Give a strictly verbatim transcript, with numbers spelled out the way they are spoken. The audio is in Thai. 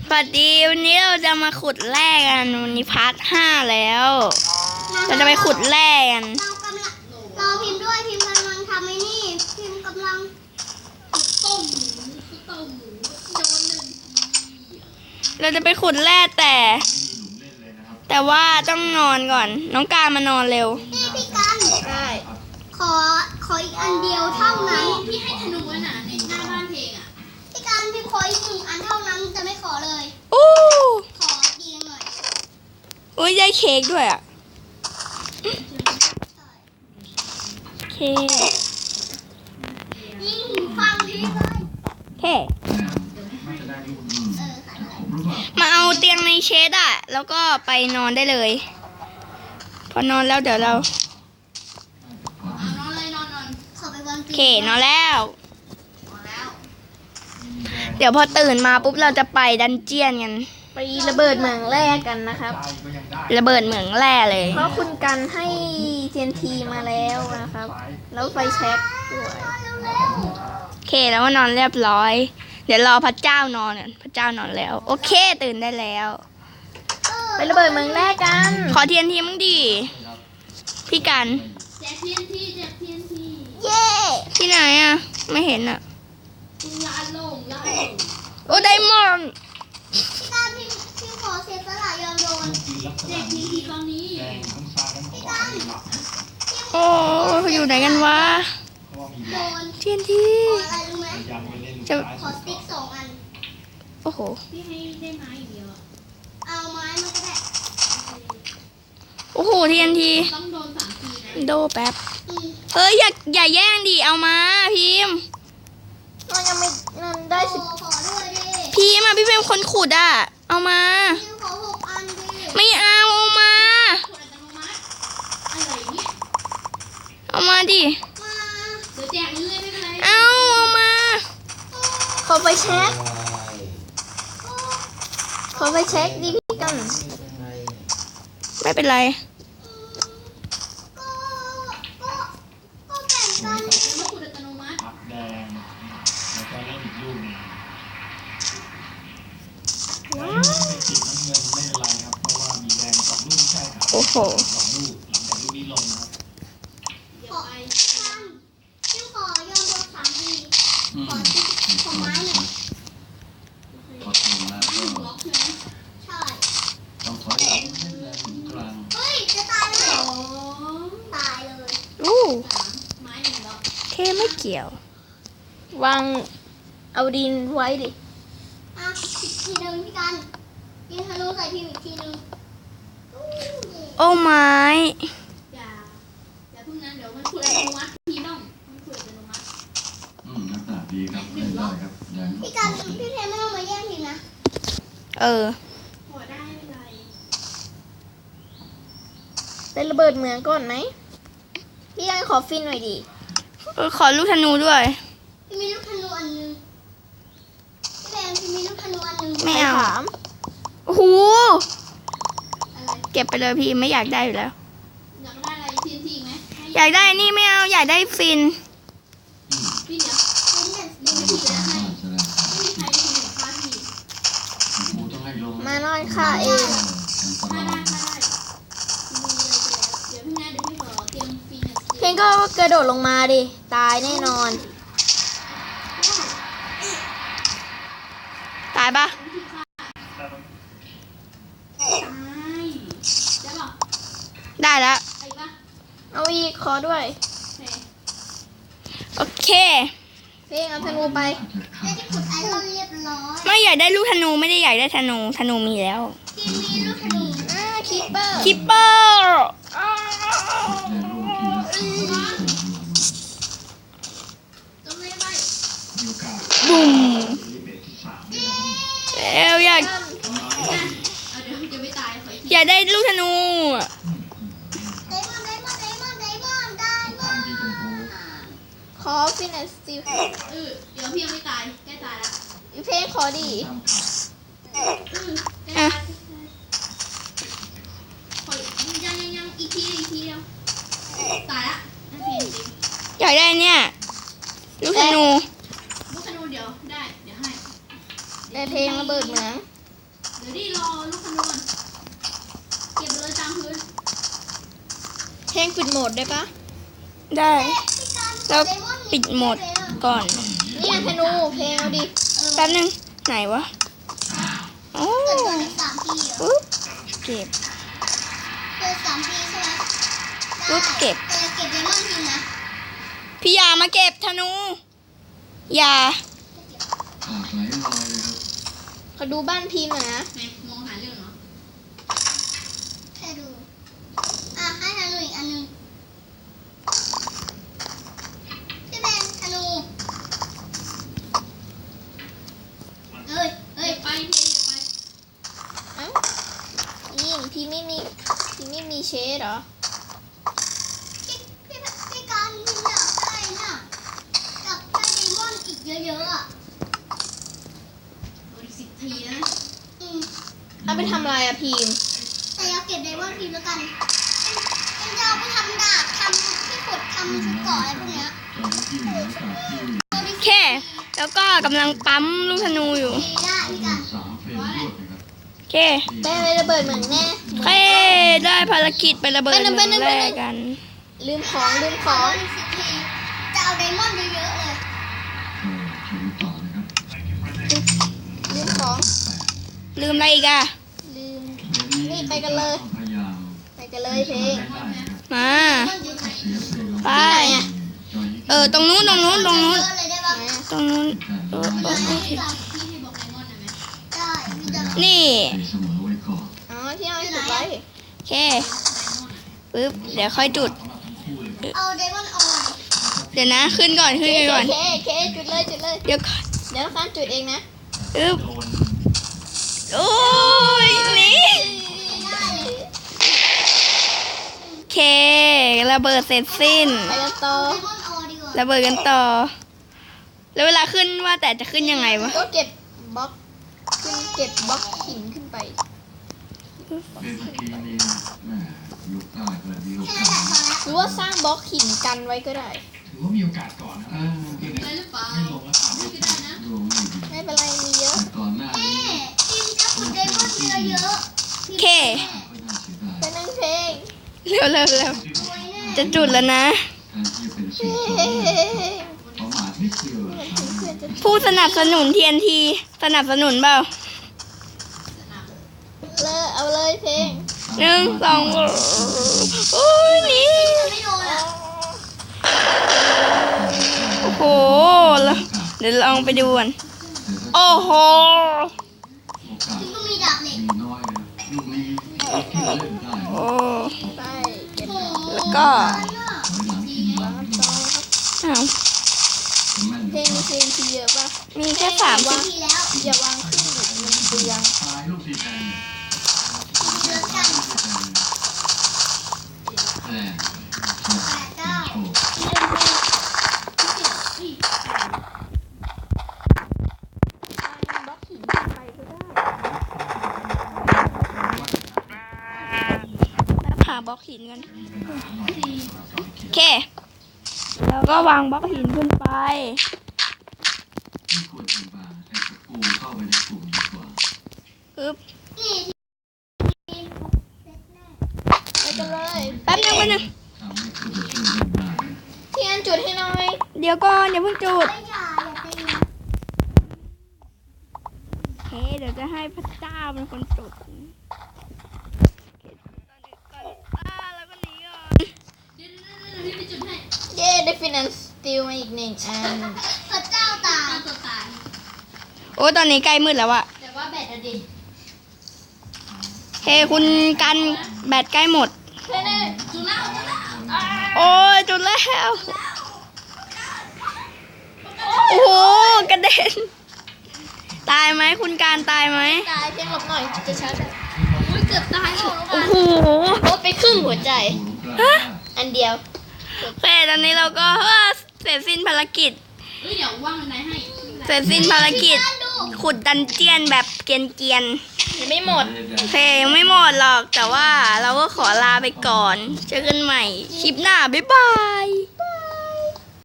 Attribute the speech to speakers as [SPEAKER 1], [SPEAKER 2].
[SPEAKER 1] สวัสดีวันนี้เราจะมาขุดแร่กันวันนี้พาร์ทห้าแล้วเราจะไปขุดแร่กัน
[SPEAKER 2] เรากำลังรอพิมพ์ด้วยพิมพ์กำลังทำไอ้นี่พิมพ์กำลังต้มหมูต้มหมูโดนหนึ่ง
[SPEAKER 1] เราจะไปขุดแร่แต่แต่ว่าต้องนอนก่อนน้องการมานอนเร็ว
[SPEAKER 2] พี่พี่กันได้ขอขออีกอันเดียวเท่านั้นพี่ให้ธนูน่ะในหน้าบ้านเพลงอ่ะพี่กันพี่ขออีกหนึ่งอันเท่านั้นจะไม่ขอเลย
[SPEAKER 1] อู้
[SPEAKER 2] ขอดีหน่อย
[SPEAKER 1] อุ้ยได้เค้กด้วยอ่ะเค้ก
[SPEAKER 2] ยิ่งฟังดีเลย
[SPEAKER 1] เค้กมาเอาเตียงในเชดอ่ะแล้วก็ไปนอนได้เลยพอนอนแล้วเดี๋ยวเรา
[SPEAKER 2] นอนเลยนอนนอนขอไปวาง
[SPEAKER 1] เค้กนอนแล้วเดี๋ยวพอตื่นมาปุ๊บเราจะไปดันเจียนกันไประเบิดเหมืองแร่กันนะครับระเบิดเหมืองแร่เลยเพราะคุณกันให้ ที เอ็น ที มาแล้วนะครับแล้วไฟแช็กด้วยโอเคแล้วก็นอนเรียบร้อยเดี๋ยวรอพระเจ้านอนพระเจ้านอนแล้วโอเคตื่นได้แล้วไประเบิดเหมืองแร่กันขอ ที เอ็น ที มั้งดิพี่กัน
[SPEAKER 2] แจก ที เอ็น ที แจก ที เอ็น ที
[SPEAKER 1] เย้ที่ไหนอ่ะไม่เห็นอ่ะ
[SPEAKER 2] ลานลงลานลง
[SPEAKER 1] โอ้ไดมอนด์
[SPEAKER 2] พี่กันพี่พี่ขอเสียสละยอมโดนแจก ที เอ็น ที ตอนนี้พี่กัน
[SPEAKER 1] โอ้อยู่ไหนกันวะ
[SPEAKER 2] โดน
[SPEAKER 1] ที เอ็น ที
[SPEAKER 2] ขออะไรรู้ไหมจะขอสติ๊กสองอัน
[SPEAKER 1] โอ้โห
[SPEAKER 2] พี่ให้ได้ไม้อีกเดียวเอาไม้มาก็ได้
[SPEAKER 1] โอ้โห ที เอ็น ที
[SPEAKER 2] ต้องโดนสามทีนะ
[SPEAKER 1] โดแป๊บเฮ้ยอย่าอย่าแย่งดิเอามาพิมพ์มันยังไม่นั่นได้สิ
[SPEAKER 2] ขอด้วยดิ
[SPEAKER 1] พิมพ์อ่ะพี่เป็นคนขุดอ่ะเอามา
[SPEAKER 2] พิมพ์ขอหกอันดิ
[SPEAKER 1] ไม่เอาเอามาเอามาดิ
[SPEAKER 2] มาเดี๋ยวแจกเรื่อยๆไม่เป็นไร
[SPEAKER 1] เอาเอามาขอไปเช็คขอไปเช็คดิพี่กันไม่เป็นไร
[SPEAKER 2] ก็ก็ก็แบ่งกันมาขุดอัตโนมัติ
[SPEAKER 3] แดงแล้วก็เล่นอีกลูกนึงว้าวสีน้ำเงินไม่เป็นไรครับเพราะว่ามีแดงสองลูกใช่ครับ
[SPEAKER 1] โอ้โห
[SPEAKER 3] สองลูกหลังจากลูกนี้ลงนะครับ
[SPEAKER 2] ขอท่านพี่ขอยอมโดนสามทีขอขอไม้หนึ่ง
[SPEAKER 3] พอถึงแล้วก็
[SPEAKER 2] ใช่
[SPEAKER 3] ต้องถอยหลังให้แรงถึงกลาง
[SPEAKER 2] เฮ้ยจะตายเลยตายเลย
[SPEAKER 1] อู้
[SPEAKER 2] ไม้หนึ่งดอก
[SPEAKER 1] เคไม่เกี่ยววางเอาดินไว้ดิ
[SPEAKER 2] อ่ะอีกทีหนึ่งพี่กันยิงธนูใส่พิมพ์อีกทีหนึ่ง
[SPEAKER 1] โอ้ไม้
[SPEAKER 2] อย่าอย่าพึ่งนั้นเดี๋ยวมันขุดอัตโนมัติพี่น้องมันขุดอัตโนมัติ
[SPEAKER 3] อืมลักษณะดีครับได้ได้ครับ
[SPEAKER 2] พี่กันพี่เพนไม่ต้องมาแย่งพิมพ์นะ
[SPEAKER 1] เออ
[SPEAKER 2] ขอได้ไม่ไร
[SPEAKER 1] ได้ระเบิดเหมืองก่อนไหมพี่ยังขอฟินหน่อยดิขอลูกธนูด้วย
[SPEAKER 2] พี่มีลูกธนูอันนึงพี่เพนพี่มีลูกธนูอันนึง
[SPEAKER 1] ไม่เอาโอ้โหเก็บไปเลยพี่ไม่อยากได้อยู่แล้ว
[SPEAKER 2] อยากได้อะไรทีนทีไหม
[SPEAKER 1] อยากได้นี่ไม่เอาอยากได้ฟิน
[SPEAKER 2] ฟินเดี๋ยวฟินเนี่ยดูทีแล้วให้ไม่มีใครได้ทีหนึ่งค่าที
[SPEAKER 1] มานอนค่ะเอง
[SPEAKER 2] ค่าได้ค่าได้เดี๋ยวพี่แม่เดี๋ยวพี่ขอเตรียมฟิน
[SPEAKER 1] เพลงก็กระโดดลงมาดิตายแน่นอนตายปะได้แล้วเอาอีกขอด้วยโอเคเพลงเอาธนูไปไม่อยากได้ลูกธนูไม่ได้อยากได้ธนูธนูมีแล้ว
[SPEAKER 2] มีลูกธนู
[SPEAKER 1] อ่าคิปเปอร์คิปเปอร์บุ้มเอวอยากอยากได้ลูกธนูขอฟินแอนด์สตีล
[SPEAKER 2] เออเดี๋ยวพี่ยังไม่ตายแกตายแล้ว
[SPEAKER 1] อีเพลงขอดี
[SPEAKER 2] อ่ะยังยังยังอีกทีอีกทีเดียวตายละนั่นเพลงจริง
[SPEAKER 1] อยากได้เนี่ยลูกธนู
[SPEAKER 2] ลูกธนูเดี๋ยวได้เดี๋ยวให้
[SPEAKER 1] ได้เพลงระเบิดเหมือง
[SPEAKER 2] ดี๋ยวดิรอลูกขนวนเก็บเลยตามพื้น
[SPEAKER 1] เพลงปิดโหมดได้ปะ
[SPEAKER 4] ได้ แล้วปิดโหมดก่อน
[SPEAKER 1] นี่ธนูเพลงเอาดิ
[SPEAKER 4] แป๊บนึง ไหนวะโอ้
[SPEAKER 2] เกิดก่อนอีกสามปีเหรอ
[SPEAKER 4] ปุ๊บเก็บ
[SPEAKER 2] เกิดสามปีใช่ไหม
[SPEAKER 4] ปุ๊บเก็บ
[SPEAKER 2] แต่เก็บไดมอนด์ทีนะ
[SPEAKER 4] พี่ยามาเก็บธนูอยา
[SPEAKER 3] ปากไหลลอยเลยครับ
[SPEAKER 1] ขอดูบ้านพีมหน่อยนะ
[SPEAKER 2] ไหนมองหาเรื่องเหรอแค่ดู อ่ะให้ธนูอีกอันหนึงพี่แบงธนูเอ้ยเอ้ยไปเพียไป
[SPEAKER 1] เอ้านี่พีไม่มีพีไม่มีเชดเหรอ
[SPEAKER 2] พี่พี่พี่การพี่อยากได้น่ะกับได้ไดมอนด์อีกเยอะๆอ่ะอีกสิบทีนะอืม
[SPEAKER 1] เอาไปทำอะไรอะพีม
[SPEAKER 2] แต่เอาเก็บไดมอนด์ทีแล้วกันเอ็มจะเอาไปทำดาบทำที่ขุดทำชุดเกราะอะไรพวกเนี้ย
[SPEAKER 3] จอมที่เหนือจากที่
[SPEAKER 4] แค่ แล้วก็กำลังปั๊มลูกธนูอยู่
[SPEAKER 2] ดีได้พี่กัน
[SPEAKER 3] สามเฟรมรวดนะครับ
[SPEAKER 4] โอเค
[SPEAKER 1] แป้งเลยระเบิดเหมืองแน่
[SPEAKER 4] โอเคได้ภารกิจไประเบิด
[SPEAKER 1] ไปนะไป
[SPEAKER 4] เมื
[SPEAKER 1] นะ
[SPEAKER 4] อง
[SPEAKER 1] ไป
[SPEAKER 4] แร
[SPEAKER 1] นะ
[SPEAKER 4] กกัน
[SPEAKER 1] ลืมของลืมข
[SPEAKER 2] ขอ
[SPEAKER 1] อง
[SPEAKER 2] อีกสิบทีจะเอาไดมอนด์เยอะๆเลย
[SPEAKER 3] ก็ชมต่อนะครับ
[SPEAKER 1] ลืมของ
[SPEAKER 4] ลืมอะไรอีกอะ
[SPEAKER 1] ลืม
[SPEAKER 3] เดี๋ยว
[SPEAKER 1] นี่ไปกันเลย
[SPEAKER 3] พยายาม
[SPEAKER 1] ไปกันเลยเพลง
[SPEAKER 3] ได้นะครับ
[SPEAKER 4] มา
[SPEAKER 2] ไดมอนด์อยู่ไหน
[SPEAKER 3] เสียเพลง
[SPEAKER 4] ไป
[SPEAKER 3] จอย
[SPEAKER 4] เออ ตรงนู้น ตรงนู้น ตรงนู้น
[SPEAKER 2] เยอะเลยได้ปะ
[SPEAKER 4] ตรงนู้นเออเออเออ
[SPEAKER 2] พี่กันพี่ให้บอกไดมอนด์ได้ไหมได้พี่จะ
[SPEAKER 4] นี่
[SPEAKER 3] ให้เสมอไว้ก่อน
[SPEAKER 1] อ๋อที่เอาจุดไว้
[SPEAKER 4] โอเคปึ๊บ เดี๋ยวค่อยจุด
[SPEAKER 2] เอาไดมอนด์ออน
[SPEAKER 4] เดี๋ยวนะ ขึ้นก่อน ขึ้น
[SPEAKER 1] เค
[SPEAKER 4] ก่อน
[SPEAKER 1] เคเคจุดเลยจุดเลย
[SPEAKER 4] เดี๋ยวก่อน
[SPEAKER 1] เดี๋ยวข้ามจุดเองนะ
[SPEAKER 4] ปึ๊บ โอ้ยหนี่โอเค ระเบิดเสร็จสิ้น
[SPEAKER 1] ไปกันต่อ
[SPEAKER 2] ไดมอนด์ออนดีกว่า
[SPEAKER 4] ระเบิดกันต่อ แล้วเวลาขึ้นว่าแต่จะขึ้นยังไงวะ
[SPEAKER 1] ก็เก็บบล็อกขึ้นเก็บบล็อกหินขึ้นไป
[SPEAKER 3] เป็นเมื่อกี้นี้แหม่ยุคใต้เกิดมีโอ
[SPEAKER 2] แค่
[SPEAKER 3] กา
[SPEAKER 2] นั้น
[SPEAKER 3] ส
[SPEAKER 2] แหละพอแล้ว
[SPEAKER 1] หรือว่าสร้างบล็อกหินกันไว้ก็ได้
[SPEAKER 3] ถือว่ามีโอกาสก่อนนะเออคือไม่ลงแล้วสามสิบดวงไม่ดี
[SPEAKER 1] ไม่เป็นไรมีเยอะ
[SPEAKER 3] แต่ก่อนหน้านี้
[SPEAKER 2] แม่ทีมจะขุดไดมอนด์เยอะๆ
[SPEAKER 4] โอเค
[SPEAKER 3] ก็น่าเสียดาย
[SPEAKER 1] ไปนั่งเพลง
[SPEAKER 4] เร็วเร็วเร็ว
[SPEAKER 2] รวยแน่
[SPEAKER 4] จะจุดแล้วนะ
[SPEAKER 3] แทนที่จะเป็นสิ่ง
[SPEAKER 1] เฮ้
[SPEAKER 3] สองประมาทนิดเดียวอะ
[SPEAKER 1] เพื่อนจะ
[SPEAKER 4] ผู้สนับสนุน ที เอ็น ที สนับสนุนเปล่า
[SPEAKER 1] เลอะเอาเลยเพลง
[SPEAKER 4] หนึ่งสองโอ้ยหนี่
[SPEAKER 2] จะไม่โดนอ่ะ
[SPEAKER 4] โอ้โหแล้วเดี๋ยวลองไปดูกันโอ้โห
[SPEAKER 3] โอกาส
[SPEAKER 2] ทีมก็มีดาบเหล็ก
[SPEAKER 3] มีน้อยนะลูกนี้ที่เล่นได้
[SPEAKER 4] โอ้
[SPEAKER 1] ไปเก็บ
[SPEAKER 2] โอ้โห
[SPEAKER 4] แล้วก็
[SPEAKER 3] ถอยหลังทีมหลัง
[SPEAKER 1] ต่อครับ
[SPEAKER 4] อ้าว
[SPEAKER 3] แม่น
[SPEAKER 1] เพลงมีเพลงทีเยอะป่ะ
[SPEAKER 4] มีแค่สาม
[SPEAKER 2] วางทีแล้ว
[SPEAKER 1] อย่าวางขึ้นดิมันเปลือง
[SPEAKER 3] ตายลูกทีแทน
[SPEAKER 2] ทีเยอะกัน
[SPEAKER 3] ลูกทีแทนแต่
[SPEAKER 2] แปดเก้า
[SPEAKER 3] โชค
[SPEAKER 1] บล็อกหินขึ้นไปก็ได้
[SPEAKER 4] แล้วผ่าบล็อกหินกันโอเค แล้วก็วางบล็อกหินขึ้นไป
[SPEAKER 3] ที่ควรเป็นบาร์แต่กูเข้าไปในกลุ่มดีกว่า
[SPEAKER 4] ปึ๊บ
[SPEAKER 2] นี่
[SPEAKER 1] ไปกันเลย
[SPEAKER 4] แป๊บนึงแป๊บนึง
[SPEAKER 3] ทำให้คุณจะช่วยเล่นได้
[SPEAKER 1] ที่อันจุดให้หน่อย
[SPEAKER 4] เดี๋ยวก่อนอย่าเพิ่งจุด
[SPEAKER 2] ไม่อย่าอย่าตีนะ
[SPEAKER 4] โอเค เดี๋ยวจะให้พระเจ้าเป็นคนจุดโอเคอ่าแล้วก็หนีก่อน
[SPEAKER 1] เย้ได้ฟินแลนซ์สตีลมาอีกหนึ่งอัน
[SPEAKER 2] พระเจ้าตายตัวตาย
[SPEAKER 4] โอ้ตอนนี้ใกล้มืดแล้วอะ
[SPEAKER 2] แต่ว่าแบตอะดิ
[SPEAKER 4] เฮ้คุณกันแบตใกล้หมด
[SPEAKER 1] เพื่อน
[SPEAKER 2] จุฬาจุฬา
[SPEAKER 4] โอ้ยจุดแล้ว โอ้โหกระเด็น ตายไหมคุณการตายไหม
[SPEAKER 1] ตายเพียงหลบหน่อยจะชาร์จ
[SPEAKER 2] อุ้ยเกือบตายแล้ว
[SPEAKER 4] โอ้โห
[SPEAKER 1] โอ้ไปครึ่งหัวใจ
[SPEAKER 3] ฮะ
[SPEAKER 1] อันเดียว
[SPEAKER 4] โอเคตอนนี้เราก็เออเสร็จสิ้นภารกิจ
[SPEAKER 2] เฮ้ยเดี๋ยวว่างไหนให้
[SPEAKER 4] เสร็จสิ้นภารกิจ ขุดดันเจียนแบบเกรียน
[SPEAKER 1] ยังไม่หมด
[SPEAKER 4] ๆโอเคยังไม่หมดหรอก แต่ว่าเราก็ขอลาไปก่อน เจอกันใหม่ คลิปหน้า บ๊ายบาย